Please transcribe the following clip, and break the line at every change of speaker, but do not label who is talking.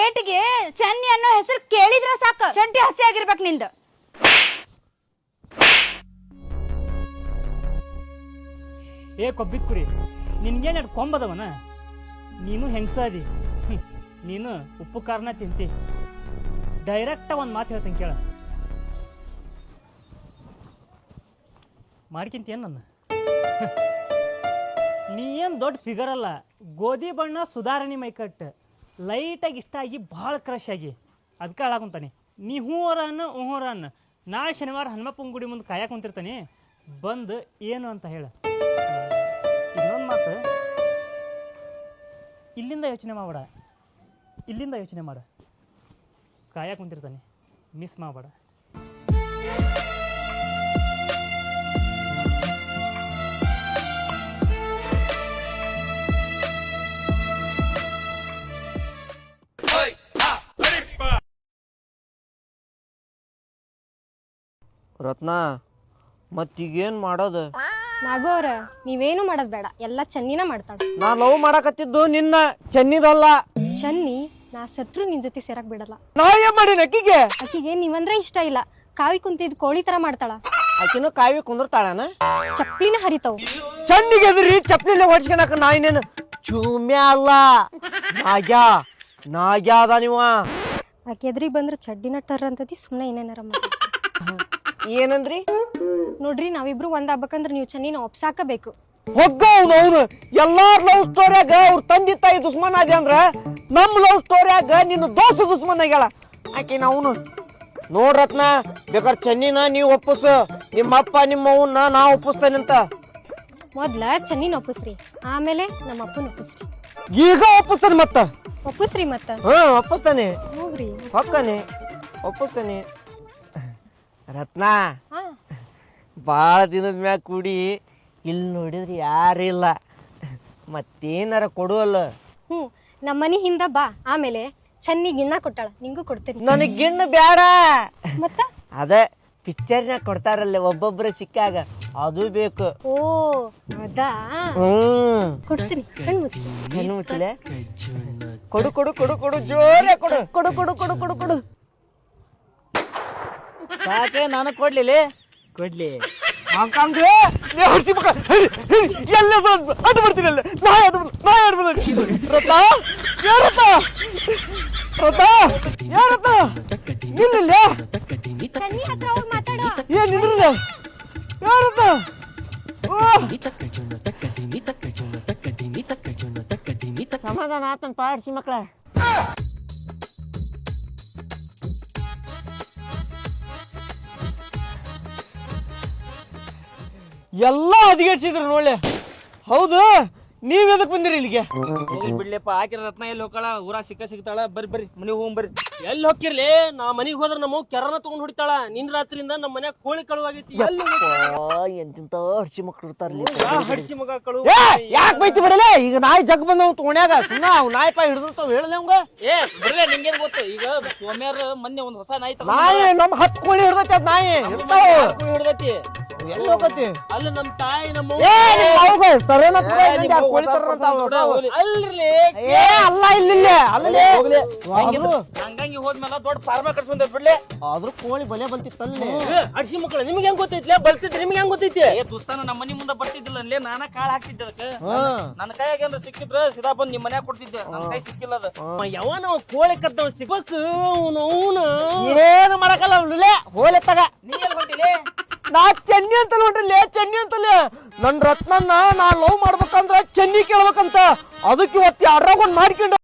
ಏಟಿಗೆ ಚನ್ನಿ ಅನ್ನೋ ಹೆಸರು ಕೇಳಿದ್ರ ಸಾಕು ಚಂಟಿ ಹಸಿ ಆಗಿರ್ಬೇಕು ನಿಂದ.
ಏ ಕೊಬ್ಬಿದ ಕುರಿ, ನಿನ್ಗೇನು ಕೊಂಬದವನ? ನೀನು ಹೆಂಗಸಾದಿ, ನೀನು ಉಪ್ಪು ಖಾರನ ತಿಂತಿ. ಡೈರೆಕ್ಟ ಒಂದು ಮಾತು ಹೇಳ್ತೀನಿ ಕೇಳ, ಮಾಡ್ಕಿಂತೇನು ನನ್ನ? ನೀ ಏನು ದೊಡ್ಡ ಫಿಗರ್ ಅಲ್ಲ, ಗೋಧಿ ಬಣ್ಣ ಸುಧಾರಣೆ ಮೈಕಟ್ಟು, ಲೈಟಾಗಿ ಇಷ್ಟ ಆಗಿ ಭಾಳ ಕ್ರಶ್ ಆಗಿ ಅದಕ್ಕೆ ಹಾಳಾಕೊಂತಾನೆ. ನೀ ಹೂವರ ಅನ್ನ ನಾಳೆ ಶನಿವಾರ ಹನುಮಪ್ಪನ ಗುಡಿ ಮುಂದೆ ಕಾಯಕ್ಕೆ ಕುಂತಿರ್ತಾನೆ, ಬಂದು ಏನು ಅಂತ ಹೇಳ. ಇನ್ನೊಂದು ಮಾತು, ಇಲ್ಲಿಂದ ಯೋಚನೆ ಮಾಡಬೇಡ, ಇಲ್ಲಿಂದ ಯೋಚನೆ ಮಾಡ. ಕಾಯಕ್ಕೆ ಕುಂತಿರ್ತಾನೆ, ಮಿಸ್ ಮಾಡಬೇಡ.
ರತ್ನ, ಮತ್ತೀಗೇನು ಮಾಡೋದು?
ನಾಗೋರ ನೀವೇನು ಮಾಡೋದ್ ಬೇಡ, ಎಲ್ಲ ಚನ್ನಿನ ಮಾಡ್ತಾಳ.
ನಾ ಲವ್ ಮಾಡಕತ್ತಿದ್ದು ನಿನ್ನ, ಚೆನ್ನಿದಲ್ಲ.
ಚನ್ನಿ ನಾ ಸತ್ರು ನಿನ್ ಜೊತೆ ಸೇರಕ್ ಬಿಡಲ್ಲ.
ನಾ ಏನ್ ಮಾಡಿ ಅಕ್ಕಿಗೆ?
ಆಕಿಗೆ ನೀವಂದ್ರೆ ಇಷ್ಟ ಇಲ್ಲ. ಕಾವಿ ಕುಂತಿದ್ ಕೋಳಿ ತರ ಮಾಡ್ತಾಳ.
ಆಕಿನ ಕಾವಿ ಕುಂದಿರ್ತಾಳನ?
ಚಪ್ಲಿನ ಹರಿತಾವ್.
ಚನ್ನಿಗೆ ಎದ್ರಿ ಚಪ್ಲಿನ ಹೊಡ್ಸ್ಕೊಳಕ ನಾ ಇನ್ನೇನು ಚೂಮ್ಯ ಅಲ್ಲ, ನಾಗ್ಯಾ ಅದ ನೀವ.
ಆಕೆ ಎದ್ರಿಗೆ ಬಂದ್ರ ಚಡ್ಡಿನ ಟರ್ ಅಂತದಿ. ಸುಮ್ನೆ ಏನೇನಾರ
ಏನಂದ್ರಿ?
ನೋಡ್ರಿ, ನಾವಿಬ್ರು ಒಂದ್ ಆಗ್ಬೇಕಂದ್ರ ನೀವು ಚನ್ನಿನ ಒಪ್ಸಾಕಬೇಕು.
ಹೋಗ್ನು ಎಲ್ಲಾರ ಲವ್ ಸ್ಟೋರಿಯಾಗ ಅವ್ರ ತಂದೆ ತಾಯಿ ದುಶ್ಮನ್ ಆದಿ ಅಂದ್ರ, ನಮ್ ಲವ್ ಸ್ಟೋರಿಯಾಗ ನಿನ್ನ ದೋಸ್ತ ದುಶ್ಮನ್ ಆಗ್ಯಾಳ ಆಕಿ. ನಾವು ನೋಡ್ರತ್ನ, ಬೇಕಾದ್ರೆ ಚೆನ್ನಿನ ನೀವು ಒಪ್ಪಿಸು, ನಿಮ್ಮಪ್ಪ ನಿಮ್ಮ ಅವನ್ನ ನಾ ಒಪ್ಪಿಸ್ತೇನಂತ.
ಮೊದ್ಲ ಚನ್ನಿನ ಒಪ್ಪಿಸ್ರಿ, ಆಮೇಲೆ ನಮ್ಮ ಅಪ್ಪನ ಒಪ್ಪಿಸ್ರಿ.
ಈಗ ಒಪ್ಪಿಸ್ತಾನೆ ಮತ್ತ?
ಒಪ್ಪಿಸ್ರಿ ಮತ್ತ.
ಒಪ್ಪಿಸ್ತಾನೆ,
ಹೋಗ್ರಿ
ಹೊಕ್ಕನೆ ಒಪ್ಪಿಸ್ತಾನೆ. ರತ್ನ, ಬಾಳ ದಿನದ ಮ್ಯಾಗ ಕೂಡಿ ಇಲ್ಲಿ ನೋಡಿದ್ರಿ ಯಾರಿಲ್ಲ, ಮತ್ತೇನಾರ ಕೊಡುವಲ್ಲ?
ನಮ್ಮ ಮನಿ ಹಿಂದ ಬಾ, ಆಮೇಲೆ ಚನ್ನಿ ಗಿಣ್ಣ ಕೊಟ್ಟಾಳ, ನಿಂಗೂ ಕೊಡ್ತೀನಿ.
ನನಗ್ ಗಿಣ್ಣ ಬ್ಯಾಡ,
ಮತ್ತ
ಅದ ಪಿಕ್ಚರ್ನಾಗ ಕೊಡ್ತಾರಲ್ಲ ಒಬ್ಬೊಬ್ರ ಸಿಕ್ಕಾಗ, ಅದು ಬೇಕು.
ಓ ಅದಾ, ಕೊಡ್ತೀನಿ.
ಹೆಣ್ಣು ಮುಚ್ಚಲೆ ಕೊಡು ಕೊಡು ಕೊಡು ಕೊಡು, ಜೋರೇ ಕೊಡು ಕೊಡು ಕೊಡು ಕೊಡು ಕೊಡು ಕೊಡು. ಸಾಕೆ, ನಾನು ಕೊಡ್ಲಿಲ್ಲ? ಕೊಡ್ಲಿ. ಎಲ್ಲ ಅದು ಬರ್ತೀನಲ್ಲ, ಸಮಾಧಾನ ಆತನ್ ಪಾಡ್ಸಿ ಮಕ್ಳ. ಎಲ್ಲ ಹದಿಗೆಡ್ಸಿದ್ರು ನೋಡ್ಲೆ. ಹೌದು, ನೀವ್ ಎದಕ್ ಬಂದಿರಿ ಇಲ್ಲಿಗೆ?
ಬಿಡ್ಲಿಪ್ಪ, ಹಾಕಿರ ರತ್ನ ಎಲ್ಲಿ ಹೋಗ್ತಾಳ? ಊರ ಸಿಗ್ತಾಳ. ಬರ್ರಿ ಮನೆಗೆ ಹೋಗ್ ಬರ್ರಿ. ಎಲ್ಲಿ ಹೋಗಿರ್ಲಿ? ನಾ ಮನಿಗ್ ಹೋದ್ರ ನಮ್ಮ ಕೆರನ ತಗೊಂಡ್ ಹೊಡಿತಾಳ. ನಿನ್ ರಾತ್ರಿಯಿಂದ ನಮ್ಮ ಮನ್ಯಾಗ ಕೋಳಿ ಕಳುವಾಗೈತಿ.
ಎಂತಿಂತ ಹಡ್ಸಿ ಮಕ್ಳು ಇರ್ತಾರ್ಲಿ.
ಹಡ್ಸಿ ಮಗ ಕಳು.
ಯಾಕೆ ಬೈತಿ ಬಿಡಲೆ? ಈಗ ನಾಯಿ ಜಗ್ ಬಂದವ್ ತೋಣ್ಯಾಗ, ಸುಮ್ಮನೆ ಅವ್ ನಾಯಿ ಪಾಯಿ ಹಿಡಿದಿರ್ತಾವ. ಹೇಳಲೆ ಅವಂಗ.
ಬರ್ಲೆ, ನಿಂಗೇನ್ ಗೊತ್ತು? ಈಗ ಸೋಮ್ಯಾರ ಮೊನ್ನೆ ಒಂದ್ ಹೊಸ ನಾಯಿ
ನಾಯಿ ನಮ್ 10 ಕೋಳಿ ಹಿಡ್ದೈತಿ. ಅದ್ ನಾಯಿ
ಹಿಡ್ದೈತಿ.
ಎಲ್ಲಿ ಹೋಗತಿ?
ಅಲ್ಲಿ ನಮ್ ತಾಯಿ ನಮ್ಮ
ಅಲ್ಲ ಇಲ್ಲ
ಹಂಗಂಗಿ ಹೋದ್ಮೇಲೆ ದೊಡ್ಡ ಫಾರ್ಮ ಕಟ್ಸ್ಕೊಂಡ್ ಬಿಡ್ಲಿ.
ಆದ್ರೂ ಕೋಳಿ ಬಲೆ ಬಂತಿತ್ತಲ್ಲೇ.
ಅಡ್ಸಿ ಮಕ್ಕಳ, ನಿಮ್ಗೆ ಹೆಂಗ್ ಗೊತ್ತೈತಿ? ಬಲ್ತಿದ್ರಿ ನಿಮ್ಗೆ ಹೆಂಗ್ ಗೊತ್ತೈತಿ? ದೋಸ್ತಾನ ನಮ್ಮ ಮನಿ ಮುಂದೆ ಬರ್ತಿದ್ದಿಲ್ಲ ಅಲ್ಲೇ, ನಾನ ಕಾಳ ಹಾಕ್ತಿದ್ದೆ ಅದಕ್ಕೆ. ನನ್ನ ಕೈಯಾಗ ಏನ್ರ ಸಿಕ್ಕಿದ್ರ ಸಿದಾ ಬಂದ್ ನಿಮ್ ಮನ್ಯಾಗ ಕೊಡ್ತಿದ್ದೆ. ನನ್ನ ಕೈ ಸಿಕ್ಕಿಲ್ಲ ಅದ. ಯಾವನ ಕೋಳಿ ಕದ್ದವ್ ಸಿಗ್ಬೇಕು.
ಏನು ಮಾಡಕಲ್ಲ ಹೋಲೆ ತಗ.
ನೀ ಎಲ್ಲಿ ಹೊಂಟಿಲೆ?
ನಾ ಚೆನ್ನಿ ಅಂತ ನೋಡ್ರಿ, ಚೆನ್ನಿ ಅಂತಲೇ. ನನ್ ರತ್ನನ್ನ ನಾ ಲವ್ ಮಾಡ್ಬೇಕಂದ್ರ ಚೆನ್ನಿ ಕೇಳ್ಬೇಕಂತ, ಅದಕ್ಕೆ ಇವತ್ತು 2 ಮಾಡ್ಕೊಂಡು